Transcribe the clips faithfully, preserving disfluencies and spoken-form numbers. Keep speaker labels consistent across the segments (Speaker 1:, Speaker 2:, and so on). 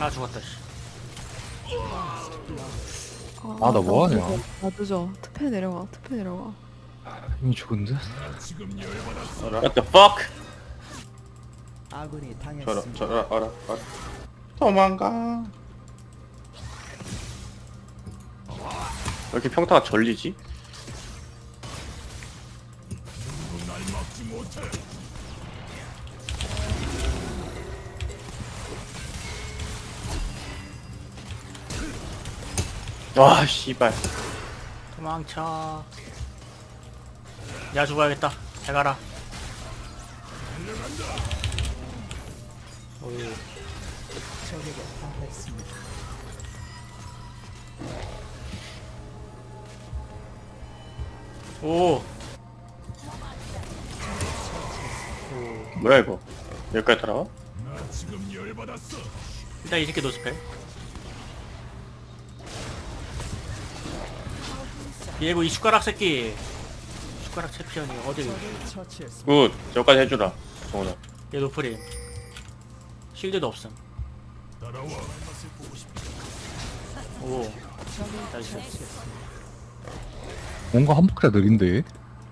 Speaker 1: 아 죽었다 씨.
Speaker 2: 아, 나 뭐하냐?
Speaker 3: 늦어. 나 늦어. 투페 내려가. 투페 내려가.
Speaker 2: 이미 죽은데?
Speaker 4: What the fuck?
Speaker 5: 아군이
Speaker 4: 저라
Speaker 5: 당했습니다.
Speaker 4: 저라 알아 알아 도망가. 왜 이렇게 평타가 절리지? 와 씨발.
Speaker 1: 도망쳐. 야 죽어야겠다. 잘 가라. 어이,
Speaker 5: 적에게 당했습니다.
Speaker 1: 오.
Speaker 4: 뭐야 이거? 여기까지 따라와?
Speaker 1: 일단 이 새끼 노스펠. 얘고 이 숟가락 새끼. 숟가락 챔피언이 어디?
Speaker 5: 적을 처치했습니다.
Speaker 4: 굿. 저까지 해주라. 정훈아.
Speaker 1: 얘 노프림. 실드도 없음. 오. 나이스.
Speaker 2: 뭔가 한 바퀴가 느린데?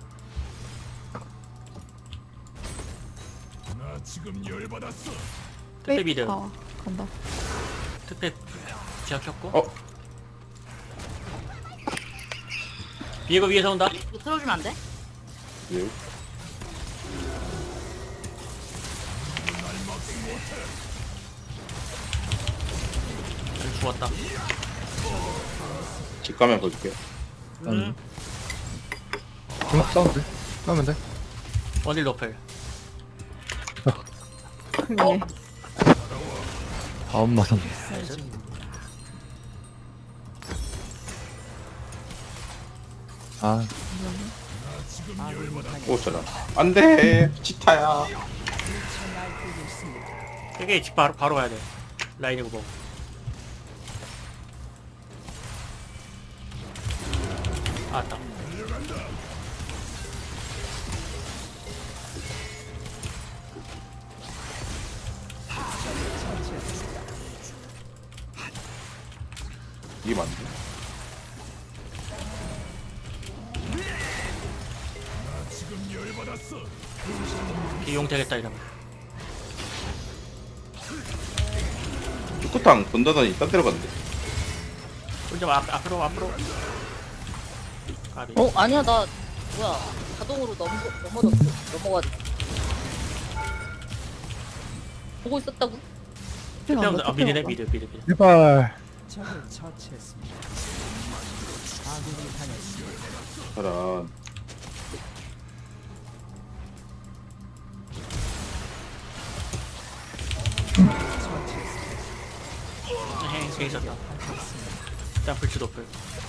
Speaker 1: 특배 미드.
Speaker 3: 아, 간다.
Speaker 1: 특배 지하켰고.
Speaker 4: 어?
Speaker 1: 비에고 위에서 온다.
Speaker 6: 이거 틀어주면 안 돼?
Speaker 4: 예.
Speaker 1: 죽었다.
Speaker 4: 집 가면 볼게요.
Speaker 1: 음.
Speaker 2: 그냥 싸우면 돼? 싸우면 돼?
Speaker 1: 원딜 노펠.
Speaker 3: 예.
Speaker 2: 다음 마선.
Speaker 1: 나이스.
Speaker 2: 아,
Speaker 5: 아군이 당했.
Speaker 4: 오 저라. 안돼. 치타야.
Speaker 5: 날뛰고 있습니다.
Speaker 1: 되게 집 바로 바로 가야 돼. 라인이고 뭐. 아따.
Speaker 4: 이게 맞네.
Speaker 1: 비용 되겠다 이러면.
Speaker 4: 축구탕 본다더니 딴 데로 갔는데.
Speaker 1: 좀 앞, 앞으로 앞으로. 가비.
Speaker 6: 어 아니야 나 뭐야 자동으로 넘어 넘어졌어 넘어가지고 보고 있었다고?
Speaker 3: 투페 간다.
Speaker 1: 아
Speaker 3: 투페
Speaker 1: 미드네
Speaker 3: 간다.
Speaker 1: 미드 미드 미드.
Speaker 2: 제발.
Speaker 5: 적을 처치했습니다. 아군이 당했습니다.
Speaker 4: 저런.
Speaker 1: 헤 제 있었다. 일단 불치 도플.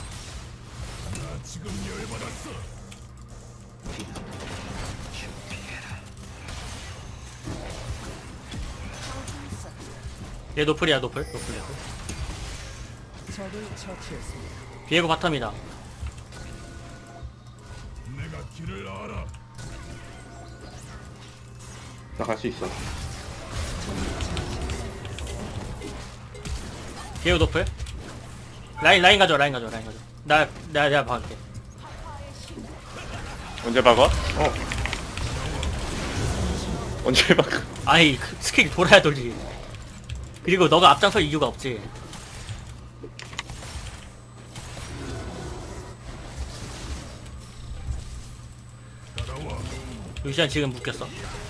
Speaker 1: 얘 노플이야 노플 노플 노플.
Speaker 5: 적을 처치했습니다.
Speaker 1: 비에고 바텀이다.
Speaker 4: 나 갈 수 있어.
Speaker 1: 비에고 노플. 라인 라인 가져 라인 가져 라인 가져. 나 내가 내가 봐줄게.
Speaker 4: 언제 박아? 어. 언제 박아?
Speaker 1: 아이 그 스킬 돌아야 돌지. 그리고 너가 앞장설 이유가 없지. 루시안 지금 묶였어.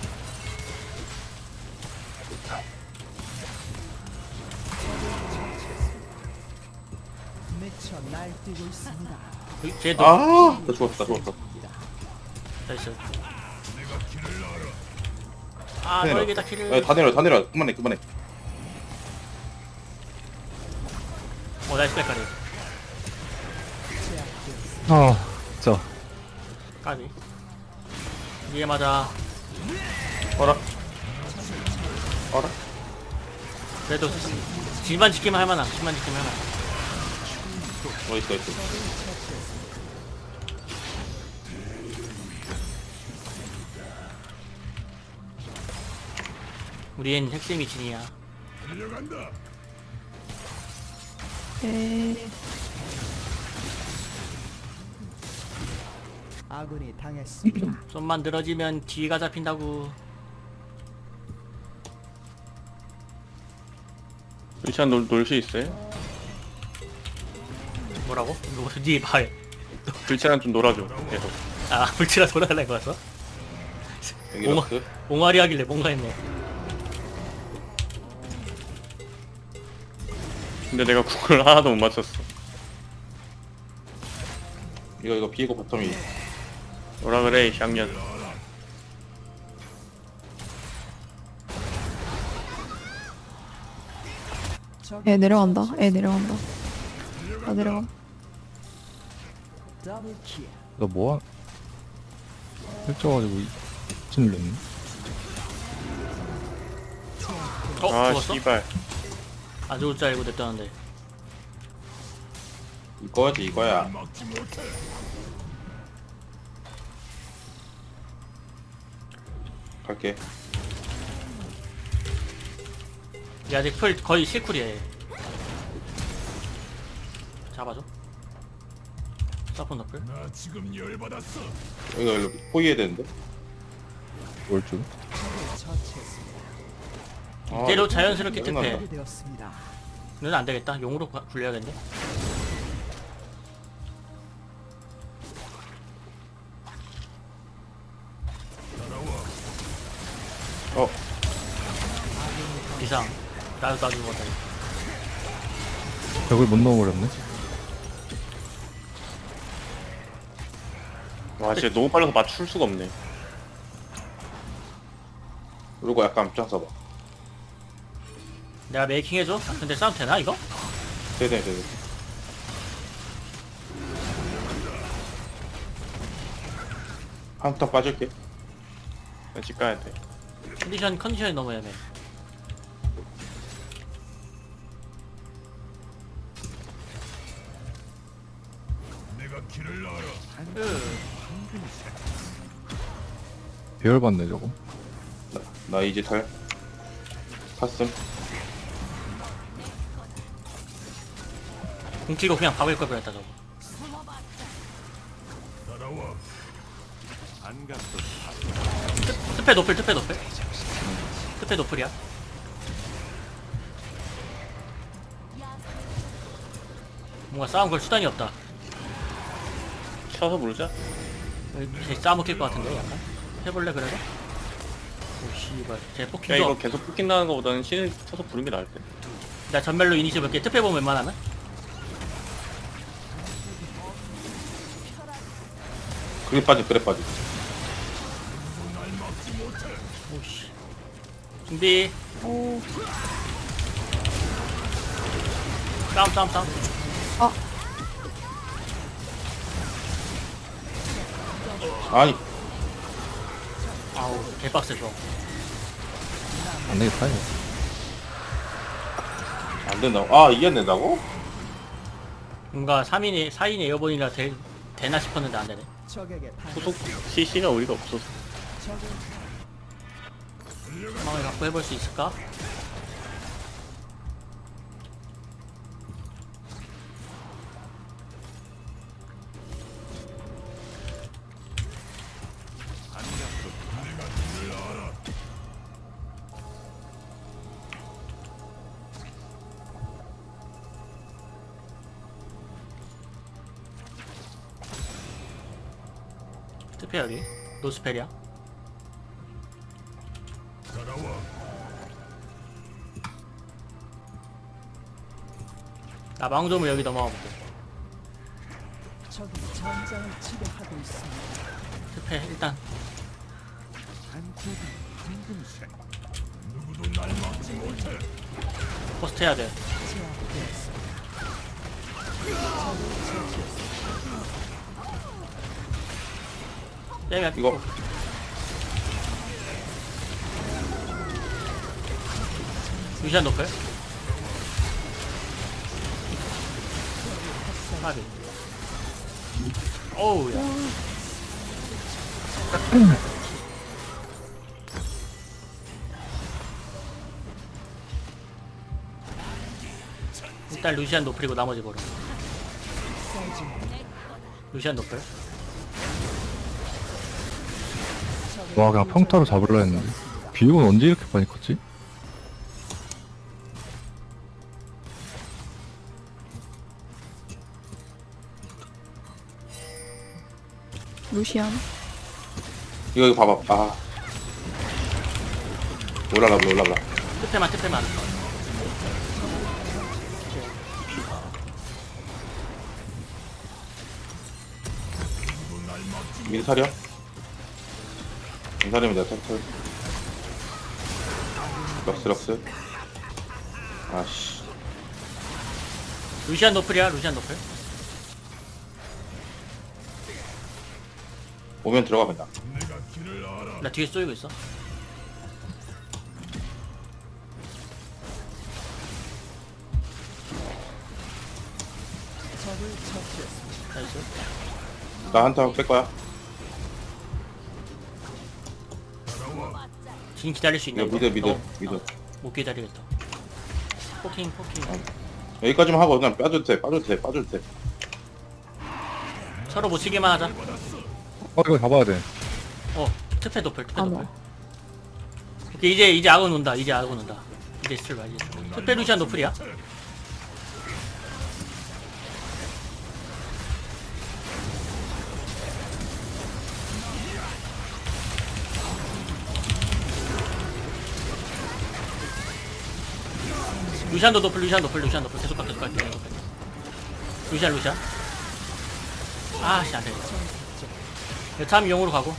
Speaker 5: 미쳐 날뛰고 있습니다.
Speaker 1: 쟤도
Speaker 4: 아, 나 죽었다, 죽었다.
Speaker 1: 나이스. 아
Speaker 4: 내려.
Speaker 1: 너에게 다 키를.
Speaker 4: 야, 다 내려, 다 내려. 그만해, 그만해.
Speaker 1: 어 나이스 백카리.
Speaker 2: 아, 진짜.
Speaker 1: 까비. 위에 맞아.
Speaker 4: 어라? 어라?
Speaker 1: 그래도 집만 지키면 할만함. 집만 지키면 할만함.
Speaker 4: 어딨어, 어딨어.
Speaker 1: 우리엔 핵심이 진이야.
Speaker 3: 에
Speaker 5: 아군이 당했습니다.
Speaker 1: 좀만 늘어지면 뒤가 잡힌다고.
Speaker 4: 루시안 놀, 놀 수 있어요?
Speaker 1: 뭐라고? 이거 네 말.
Speaker 4: 불치랑 좀 놀아줘 계속.
Speaker 1: 아 불치라 돌아달라는 거였어?
Speaker 4: 여기
Speaker 1: 오마-
Speaker 4: 럭스.
Speaker 1: 옹알이 하길래 뭔가 했네.
Speaker 4: 근데 내가 구글 하나도 못 맞췄어. 이거 이거 비에고 바텀이. 뭐라 그래 이 쌍년.
Speaker 5: 적이
Speaker 3: 애 내려간다. 애 내려간다. 나 내려가.
Speaker 5: 더블 킬.
Speaker 2: 나 뭐야? 펼쳐가지고 진 눌렸네.
Speaker 1: 어?
Speaker 4: 아
Speaker 1: 죽었어?
Speaker 4: 씨발.
Speaker 1: 안 죽을 줄 알고 냈다는데.
Speaker 4: 이거지 이거야. 갈게.
Speaker 1: 얘 아직 풀 거의 실쿨이야 얘. 잡아줘. 사폰 너플.
Speaker 4: 여기가 여기 포위해야 되는데.
Speaker 2: 뭘 줄?
Speaker 5: 적을 처치했습니다.
Speaker 4: 아,
Speaker 1: 이대로 자연스럽게
Speaker 4: 짜증난다.
Speaker 1: 특패.
Speaker 5: 되었습니다.
Speaker 1: 는 안 되겠다. 용으로 가- 굴려야겠네.
Speaker 4: 어
Speaker 1: 비상. 나도 나도 죽었다.
Speaker 2: 벽을 못 넘어버렸네.
Speaker 4: 와 진짜 너무 빨라서 맞출 수가 없네. 그리고 약간 앞장 서봐.
Speaker 1: 내가 메이킹 해줘? 아, 근데 싸움 되나 이거?
Speaker 4: 네네 네네. 한 턴 빠질게. 나 집 가야 돼.
Speaker 1: 컨디션 컨디션이 너무 애매.
Speaker 2: 배열 받네 저거.
Speaker 4: 나, 나 이제 탈. 탔음.
Speaker 1: 공치고 그냥 박을 걸 그랬다 저거. 트- 트페 노플 트페 노플. 트페 노플이야. 뭔가 싸움 걸 수단이 없다.
Speaker 4: 쳐서 부르자.
Speaker 1: 쟤 싸먹힐 것 같은데 약간. 해볼래 그래도? 오 씨발. 쟤
Speaker 4: 야
Speaker 1: 포킹도.
Speaker 4: 이거 계속 뽑긴 나는 거보다는 신을 쳐서 부르는 게 나을 듯.
Speaker 1: 나 전멸로 이니시 볼게. 트페 보면 웬만하면?
Speaker 4: 그래 빠져 그래 빠져.
Speaker 1: 오씨. 준비.
Speaker 3: 오.
Speaker 1: 싸움 싸움 싸움.
Speaker 4: 아니
Speaker 1: 아우 개빡세 저.
Speaker 2: 안 되겠다 이거.
Speaker 4: 안 된다고? 아 이게 안 된다고?
Speaker 1: 뭔가 삼 인이 사 인 에어본이라 되, 되나 싶었는데 안 되네.
Speaker 5: 적에게 당.
Speaker 4: 후속 씨씨가 우리가 없어서.
Speaker 5: 적을
Speaker 1: 상황을 갖고 해볼 수 있을까? 트페 여기 노스페리아. 나 망조물 여기 넘어가 볼게.
Speaker 5: 적이 전장을 지배하고 있습니다.
Speaker 1: 트페 일단 포스트 해야 돼.
Speaker 5: 제압되었습니다.
Speaker 1: 빼면
Speaker 4: 이거
Speaker 1: 유시안 높을. 파비. 어우 야. 일단 루시안 노플이고 나머지 보러.
Speaker 5: 사이즈
Speaker 1: 루시안 노플.
Speaker 2: 와 그냥 평타로 잡으려 했는데 비용은 언제 이렇게 많이 컸지?
Speaker 3: 루시안.
Speaker 4: 이거 이거 봐봐. 아 올라가 봐 올라가.
Speaker 1: 특패만 특패만.
Speaker 4: 미드 사려. 인사리면 내가 탈탈. 럭스 럭스. 아씨.
Speaker 1: 루시안 노플이야 루시안 노플.
Speaker 4: 오면 들어가 그냥.
Speaker 1: 나 뒤에 쏘이고 있어.
Speaker 5: 적을 처치했습니다.
Speaker 1: 나이스.
Speaker 4: 나 한타 뺄 거야.
Speaker 1: 지금 기다릴 수 있나?
Speaker 4: 이거
Speaker 1: 이거?
Speaker 4: 미드 미드
Speaker 1: 너-
Speaker 4: 미드.
Speaker 1: 어, 못 기다리겠다. 포킹 포킹.
Speaker 4: 여기까지만 하고 그냥 빠져도 돼 빠져도 돼 빠져도 돼.
Speaker 1: 서로 못 치기만 하자.
Speaker 2: 어 이거 잡아야 돼.
Speaker 1: 어 특패 노플 특패
Speaker 3: 안
Speaker 1: 노플.
Speaker 3: 와.
Speaker 1: 오케이, 이제 이제 악은 온다. 이제 악은 온다. 이제 스틸 봐 이제. 특패 루시안 노플이야. 루시안도 노플 루시안 노플 루시안 노플 계속 가 계속 가 계속 가. 루시안 루시안. 아씨 안돼. 여참 용으로 가고.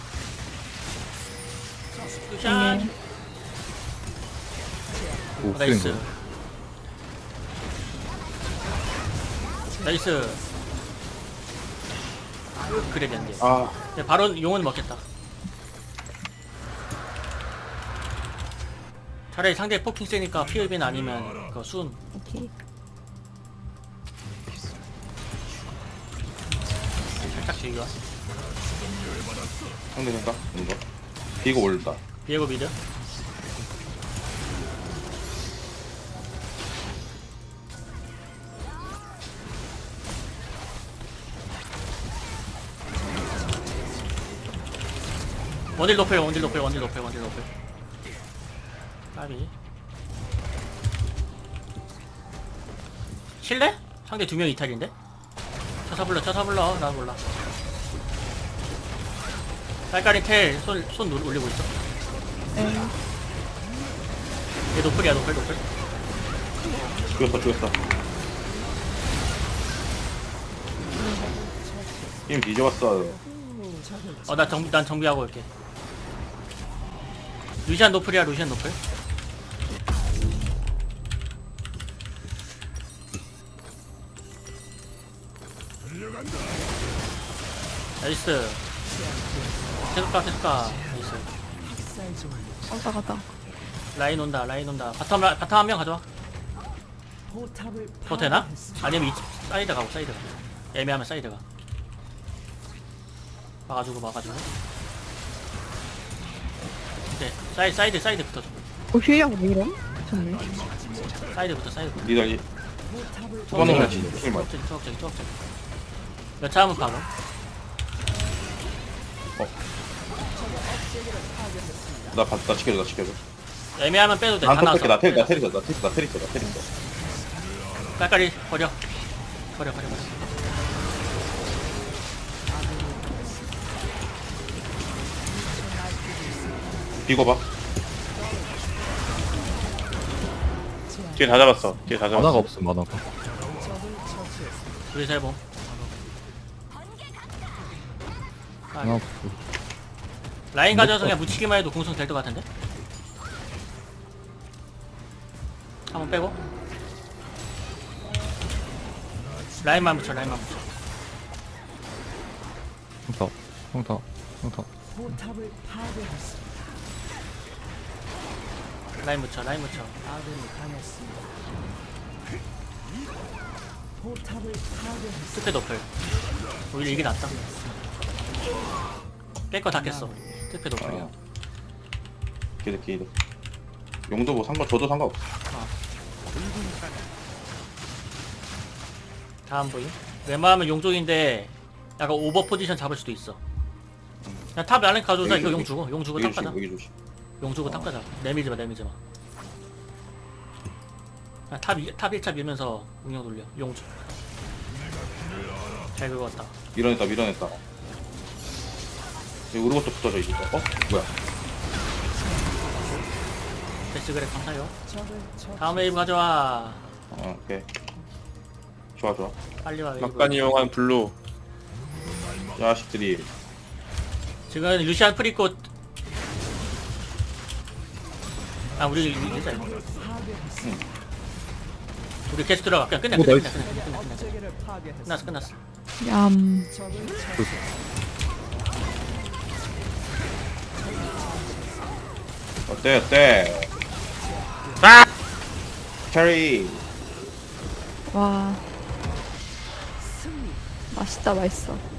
Speaker 1: 루시안.
Speaker 2: 오
Speaker 1: 어, 나이스.
Speaker 2: 쓰인
Speaker 1: 나이스. 그래 된대.
Speaker 4: 아
Speaker 1: 네, 바로 용은 먹겠다. 차라리 상대 포킹 세니까 피흡인 아니면 그 순.
Speaker 3: 오케이.
Speaker 1: 살짝 즐겨.
Speaker 4: 상대 생각 뭔가. 비고 올다.
Speaker 1: 비에고 미드. 원딜 높여 원딜 높여 원딜 높여 원딜 높여. 까비. 실래? 상대 두 명 이탈인데? 쳐서 불러 쳐서 불러 나 몰라. 깔깔이 텔 손 손 올리고 있어.
Speaker 3: 에.
Speaker 1: 얘 노플이야 노플 노플.
Speaker 4: 죽였어 죽였어. 게임 뒤져봤어.
Speaker 1: 어나 정비 난 정비하고 올게. 루시안 노플이야 루시안 노플. 나이스. 계속 가 계속 가. 나이스.
Speaker 5: 사이즈
Speaker 3: 왔다 갔다.
Speaker 1: 라인 온다 라인 온다. 바텀 라- 바텀 한 명 가져와.
Speaker 5: 포탑을
Speaker 1: 더 되나?
Speaker 5: 파괴했습니다.
Speaker 1: 아니면 이 사이드 가고 사이드 가. 애매하면 사이드 가. 막아주고 막아주고. 오케이 사이 사이드 사이드 붙어줘.
Speaker 3: 어 휘리하고 왜 이래? 좋네.
Speaker 1: 사이드부터 사이드부터.
Speaker 4: 니들 이
Speaker 5: 포탑을
Speaker 4: 초반에
Speaker 1: 어,
Speaker 4: 그냥 힘 많이.
Speaker 1: 초록색 초록색 초록색. 몇차 하면 박아.
Speaker 4: 나 봤, 나 지켜줘 나 지켜줘.
Speaker 1: 애매하면 빼도 돼.
Speaker 4: 난
Speaker 1: 다
Speaker 4: 탑할게. 나
Speaker 1: 나왔어.
Speaker 4: 테리 나 테리 있어 나 테리 나 테리 있어 나 테리 있어.
Speaker 1: 깔깔이 버려. 버려 버려 버려.
Speaker 4: 비고 봐. 뒤에 다 잡았어. 뒤에 다
Speaker 2: 만화가
Speaker 4: 잡았어.
Speaker 2: 없음 만화가.
Speaker 5: 적을 처치했습니다.
Speaker 1: 둘이 세 번.
Speaker 2: 만화 없어.
Speaker 1: 라인 가져서 그냥 묻히기만 해도 공성 될 것 같은데? 한번 빼고. 라인만 붙여 라인만 붙여.
Speaker 2: 평타 평타 평타.
Speaker 5: 포탑을 파괴했습니다.
Speaker 1: 라인 붙여 라인 붙여.
Speaker 5: 아군이 당했습니다. 포탑을 파괴했습니다.
Speaker 1: 스페 노플. 오히려 이게 낫다. 깰 거 다 깼어. 스페 노플이야.
Speaker 4: 어. 기드 기드. 용도 뭐 상관 줘도 상관없어.
Speaker 1: 다음 보임. 웬만하면 용족인데 약간 오버 포지션 잡을 수도 있어. 그냥 탑 라인 가져오자.
Speaker 4: 여기,
Speaker 1: 이거 용
Speaker 4: 여기.
Speaker 1: 주고 용 주고
Speaker 4: 여기
Speaker 1: 탑 가자.
Speaker 4: 조심 여기 조심.
Speaker 1: 용 주고 탑 가자. 내밀지 마 내밀지 마. 그냥 탑, 이- 탑 일 차 밀면서 운영 돌려. 용 주. 잘 긁었다.
Speaker 4: 밀어냈다 밀어냈다. 여기 우르고도 붙어져 있어. 어? 뭐야?
Speaker 1: 베스트 그래 감사해요.
Speaker 5: 적을 처치.
Speaker 1: 다음 웨이브 가져와.
Speaker 4: 어 오케이. 좋아 좋아.
Speaker 1: 빨리 와 웨이브.
Speaker 4: 막간 이용한 블루. 자식들이.
Speaker 1: 지금 루시안 프리꽃. 아 우리 이제 이거. 우리 게스트 들어가. 그냥 끝내
Speaker 2: 오,
Speaker 1: 끝내 끝내
Speaker 2: 나이스.
Speaker 1: 끝내 끝내 끝내.
Speaker 5: 업체계를 파괴했습니다.
Speaker 1: 끝났어 끝났어.
Speaker 3: 얌.
Speaker 5: 적을 처치했습니다.
Speaker 4: 어때 어때?
Speaker 1: 아!
Speaker 4: 캐리.
Speaker 3: 와. 맛있다 맛있어.